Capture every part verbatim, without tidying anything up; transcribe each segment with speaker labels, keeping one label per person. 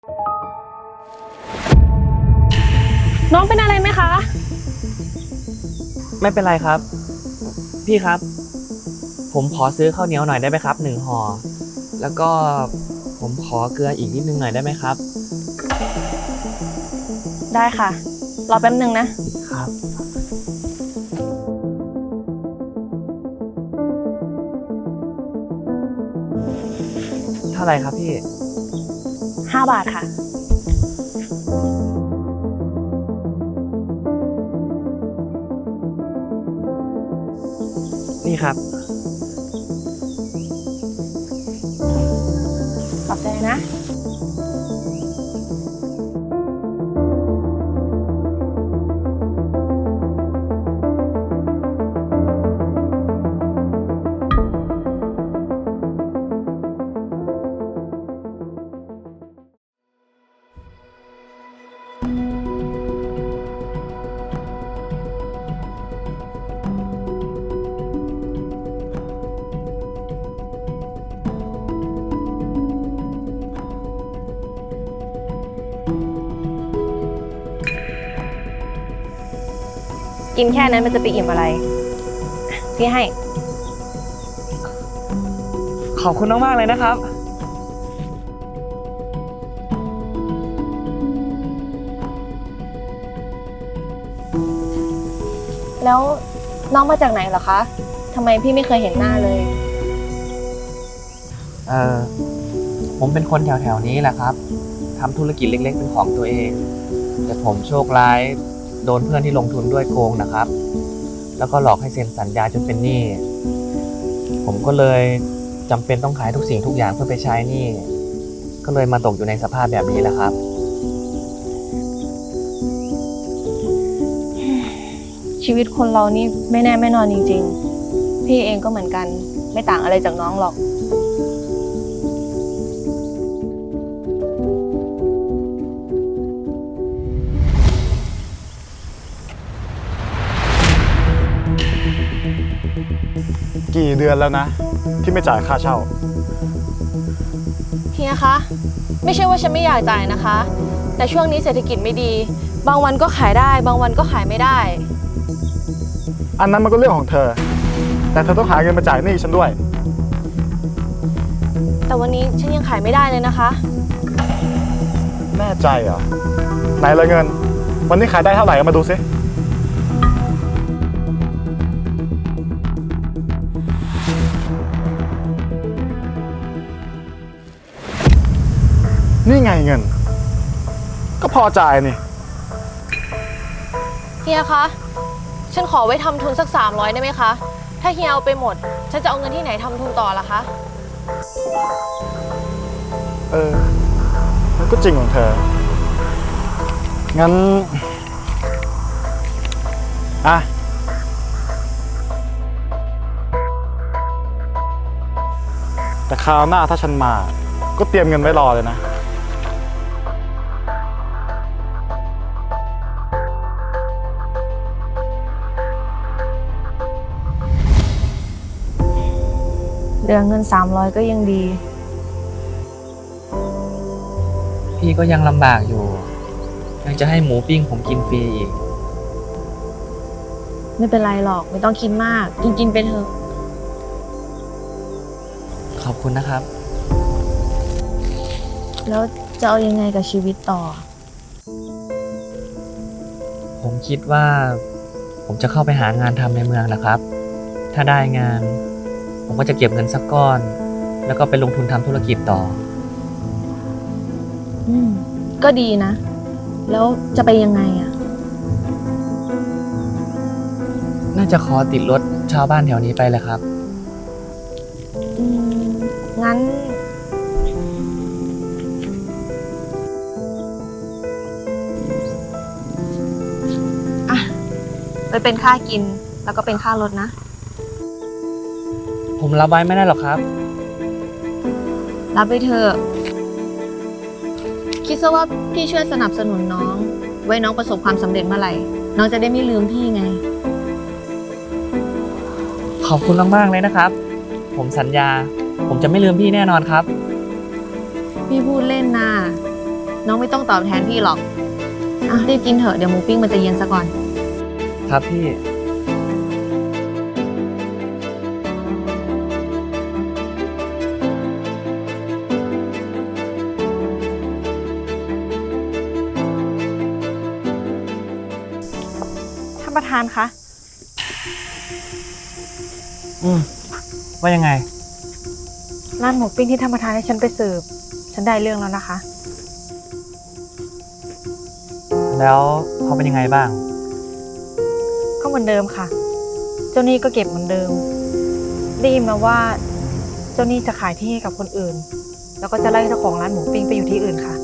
Speaker 1: น้องเป็นอะไรไหมคะ
Speaker 2: ไม่เป็นไรครับพี่ครับผมขอซื้อข้าวเหนียวหน่อยได้ไหมครับหนึ่งห่อแล้วก็ผมขอเกลืออีกนิดนึงหน่อยได้ไหมครับ
Speaker 1: ได้ค่ะรอแป๊บนึงนะ
Speaker 2: ครับเท่าไหร่ครับพี่
Speaker 1: ห้าบาทค่ะ
Speaker 2: นี่ครับ
Speaker 1: ขอบใจนะกินแค่นั้นมันจะไปอิ่มอะไรพี่ให้
Speaker 2: ขอบคุณมากๆเลยนะครับ
Speaker 1: แล้วน้องมาจากไหนเหรอคะทำไมพี่ไม่เคยเห็นหน้าเลย
Speaker 2: เออผมเป็นคนแถวๆนี้แหละครับทำธุรกิจเล็กๆเป็นของตัวเองแต่ผมโชคร้ายโดนเพื่อนที่ลงทุนด้วยโกงนะครับแล้วก็หลอกให้เซ็นสัญญาจนเป็นหนี้ผมก็เลยจำเป็นต้องขายทุกสิ่งทุกอย่างเพื่อไปใช้หนี้ก็เลยมาตกอยู่ในสภาพแบบนี้แหละครับ
Speaker 1: ชีวิตคนเรานี่ไม่แน่ไม่นอนจริงๆพี่เองก็เหมือนกันไม่ต่างอะไรจากน้องหรอก
Speaker 3: กี่เดือนแล้วนะที่ไม่จ่ายค่าเช่า
Speaker 1: เฮียคะไม่ใช่ว่าฉันไม่อยากจ่ายนะคะแต่ช่วงนี้เศรษฐกิจไม่ดีบางวันก็ขายได้บางวันก็ขายไม่ได้
Speaker 3: อันนั้นมันก็เรื่องของเธอแต่เธอต้องหาเงินมาจ่ายหนี้ฉันด้วย
Speaker 1: แต่วันนี้ฉันยังขายไม่ได้เลยนะคะ
Speaker 3: แน่ใจเหรอไหนละเงินวันนี้ขายได้เท่าไหร่เอามาดูสินี่ไงเงินก็พอจ่ายนี่
Speaker 1: เฮียคะฉันขอไว้ทำทุนสักสามร้อยได้ไหมคะถ้าเฮียเอาไปหมดฉันจะเอาเงินที่ไหนทำทุนต่อล่ะคะ
Speaker 3: เออมันก็จริงของเธองั้นอ่ะแต่คราวหน้าถ้าฉันมาก็เตรียมเงินไว้รอเลยนะ
Speaker 1: เหลือเงินสามร้อยก็ยังดี
Speaker 2: พี่ก็ยังลำบากอยู่ยังจะให้หมูปิ้งผมกินฟรีอีก
Speaker 1: ไม่เป็นไรหรอกไม่ต้องคิดมากกินกินไปเถอะ
Speaker 2: ขอบคุณนะครับ
Speaker 1: แล้วจะเอายังไงกับชีวิตต่อ
Speaker 2: ผมคิดว่าผมจะเข้าไปหางานทำในเมืองนะครับถ้าได้งานผมก็จะเก็บเงินสักก้อนแล้วก็ไปลงทุนทำธุรกิจต่อ
Speaker 1: อืมก็ดีนะแล้วจะไปยังไงอ่ะ
Speaker 2: น่าจะขอติดรถชาวบ้านแถวนี้ไปเลยครับ
Speaker 1: อืมงั้นอ่ะไปเป็นค่ากินแล้วก็เป็นค่ารถนะ
Speaker 2: ผมรับไว้ไม่ได้หรอกครับ
Speaker 1: รับไปเถอะคิดซะว่าพี่ช่วยสนับสนุนน้องไว้น้องประสบความสำเร็จเมื่อไหร่น้องจะได้ไม่ลืมพี่ไง
Speaker 2: ขอบคุณมากๆเลยนะครับผมสัญญาผมจะไม่ลืมพี่แน่นอนครับ
Speaker 1: พี่พูดเล่นนะน้องไม่ต้องตอบแทนพี่หรอกอ่ะรีบกินเถอะเดี๋ยวหมูปิ้งมันจะเย็นซะก่อน
Speaker 2: ครับพี่
Speaker 1: ท่านประธานคะ
Speaker 2: อืมว่ายังไง
Speaker 1: ร้านหมูปิ้งที่ท่านประธานให้ฉันไปสืบฉันได้เรื่องแล้วนะคะ
Speaker 2: แล้วเขาเป็นยังไงบ้าง
Speaker 1: ก็เหมือนเดิมค่ะ เจ้าหนี้ก็เก็บเหมือนเดิม ได้ยินมาว่าเจ้าหนี้จะขายที่ให้กับคนอื่น แล้วก็จะไล่เจ้าของร้านหมูปิ้งไปอยู่ที่อื่นค่ะ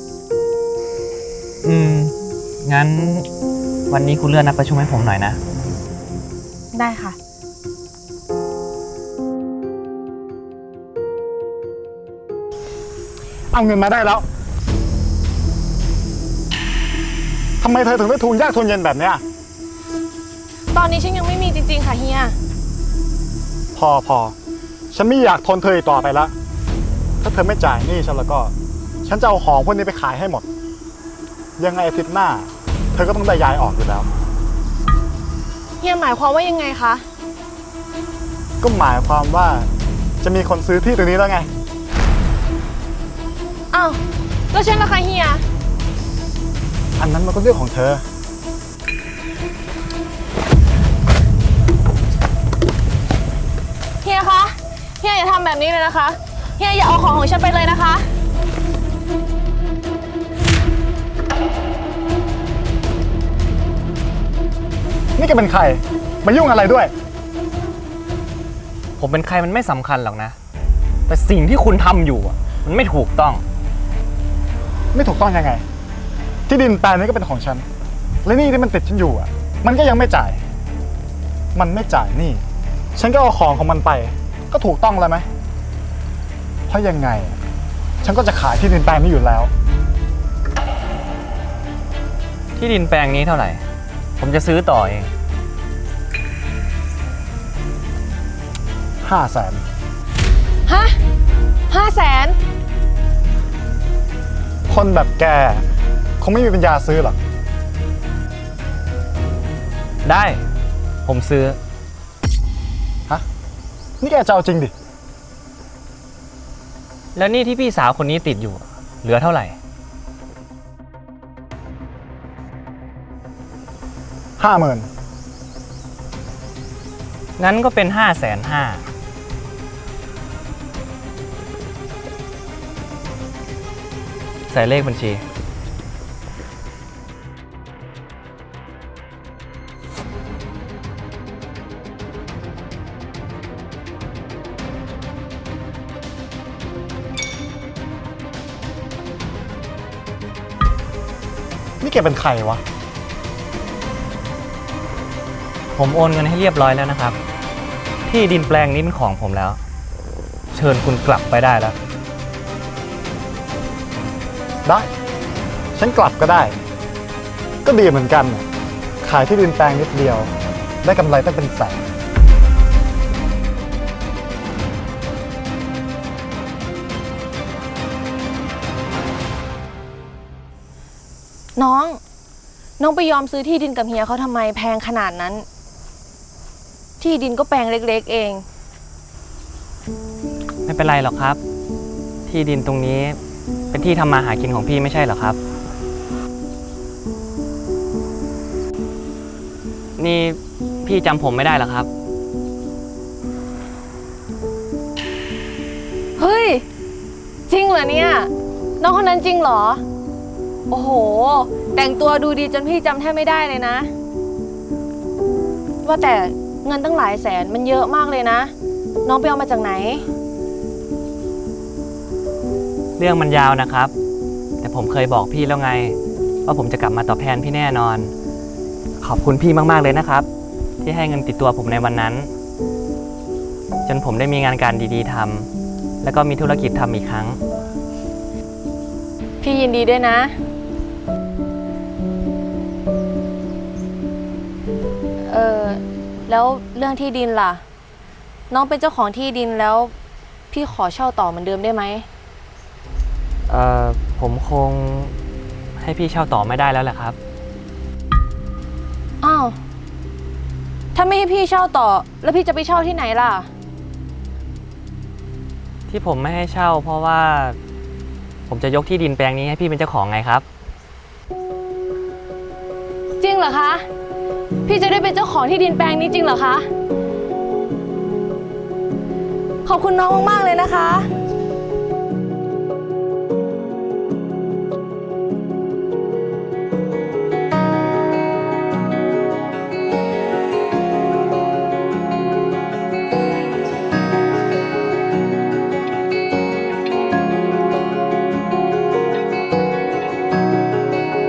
Speaker 2: อืม งั้นวันนี้คุณเลื่อนนัดประชุมให้ผมหน่อยนะ
Speaker 1: ได้ค่ะ
Speaker 3: เอาเงินมาได้แล้วทำไมเธอถึงได้ทุนยากทุนเย็นแบบเนี้ย
Speaker 1: ตอนนี้ฉันยังไม่มีจริงๆค่ะเฮีย
Speaker 3: พอพอฉันไม่อยากทนเธออีกต่อไปแล้วถ้าเธอไม่จ่ายหนี้ฉันแล้วก็ ฉันจะเอาของพวกนี้ไปขายให้หมด ยังไงอาทิตย์หน้า เธอก็ต้องได้ย้ายออกอยู่แล้ว
Speaker 1: เฮียหมายความว่ายังไงคะ
Speaker 3: ก็หมายความว่าจะมีคนซื้อที่ตรงนี้แล้วไง
Speaker 1: อ้าวแล้วฉันล่ะคะเฮีย
Speaker 3: อันนั้นมันก็เรื่องของเธอ
Speaker 1: เฮียคะ เฮียอย่าทำแบบนี้เลยนะคะ เฮียอย่าเอาของของฉันไปเลยนะคะ
Speaker 3: นี่แกเป็นใคร มายุ่งอะไรด้วย
Speaker 2: ผมเป็นใครมันไม่สำคัญหรอกนะ แต่สิ่งที่คุณทำอยู่อะมันไม่ถูกต้อง
Speaker 3: ไม่ถูกต้องยังไง ที่ดินแปลงนี้ก็เป็นของฉัน และหนี่ที่มันติดฉันอยู่อ่ะ มันก็ยังไม่จ่าย มันไม่จ่ายหนี่ ฉันก็เอาของของมันไป ก็ถูกต้องแล้วไหม เพราะยังไงอะฉันก็จะขายที่ดินแปลงนี้อยู่แล้ว
Speaker 2: ที่ดินแปลงนี้เท่าไหร่ ผมจะซื้อต่อเอง
Speaker 3: ห้าแสน
Speaker 1: ฮะห้าแสน
Speaker 3: คนแบบแกคงไม่มีปัญญาซื้อหรอก
Speaker 2: ได้ ผมซื้อ
Speaker 3: ฮะ นี่แกจะเอาจริงดิ
Speaker 2: แล้วหนี่ที่พี่สาวคนนี้ติดอยู่ เหลือเท่าไหร่
Speaker 3: ห้าหมื่น
Speaker 2: งั้นก็เป็นห้าแสนห้า ใส่เลขบัญชี
Speaker 3: นี่แกเป็นใครวะ
Speaker 2: ผมโอนเงินให้เรียบร้อยแล้วนะครับ ที่ดินแปลงนี้เป็นของผมแล้ว เชิญคุณกลับไปได้แล้ว
Speaker 3: ได้ ฉันกลับก็ได้ ก็ดีเหมือนกันน่ะขายที่ดินแปลงนิดเดียว ได้กำไรตั้งเป็นแสน
Speaker 1: น้อง น้องไปยอมซื้อที่ดินกับเฮียเขาทำไมแพงขนาดนั้น ที่ดินก็แปลงเล็กๆเอง
Speaker 2: ไม่เป็นไรหรอกครับ ที่ดินตรงนี้เป็นที่ทำมาหากินของพี่ไม่ใช่เหรอครับ นี่พี่จำผมไม่ได้เหรอครับ
Speaker 1: เฮ้ย จริงเหรอเนี่ย น้องคนนั้นจริงเหรอ โอ้โห แต่งตัวดูดีจนพี่จำแทบไม่ได้เลยนะ ว่าแต่เงินตั้งหลายแสนมันเยอะมากเลยนะ น้องไปเอามาจากไหน
Speaker 2: เรื่องมันยาวนะครับ แต่ผมเคยบอกพี่แล้วไง ว่าผมจะกลับมาตอบแทนพี่แน่นอน ขอบคุณพี่มากๆเลยนะครับ ที่ให้เงินติดตัวผมในวันนั้น จนผมได้มีงานการดีๆทำแล้วก็มีธุรกิจทำอีกครั้ง
Speaker 1: พี่ยินดีด้วยนะ เออแล้วเรื่องที่ดินล่ะ น้องเป็นเจ้าของที่ดินแล้ว พี่ขอเช่าต่อเหมือนเดิมได้ไหม
Speaker 2: เอ่อผมคงให้พี่เช่าต่อไม่ได้แล้วแหละครับ
Speaker 1: อ้าว ถ้าไม่ให้พี่เช่าต่อ แล้วพี่จะไปเช่าที่ไหนล่ะ
Speaker 2: ที่ผมไม่ให้เช่า เพราะว่า ผมจะยกที่ดินแปลงนี้ให้พี่เป็นเจ้าของไงครับ
Speaker 1: จริงเหรอคะ พี่จะได้เป็นเจ้าของที่ดินแปลงนี้จริงเหรอคะ ขอบคุณน้องมากๆเลยนะคะ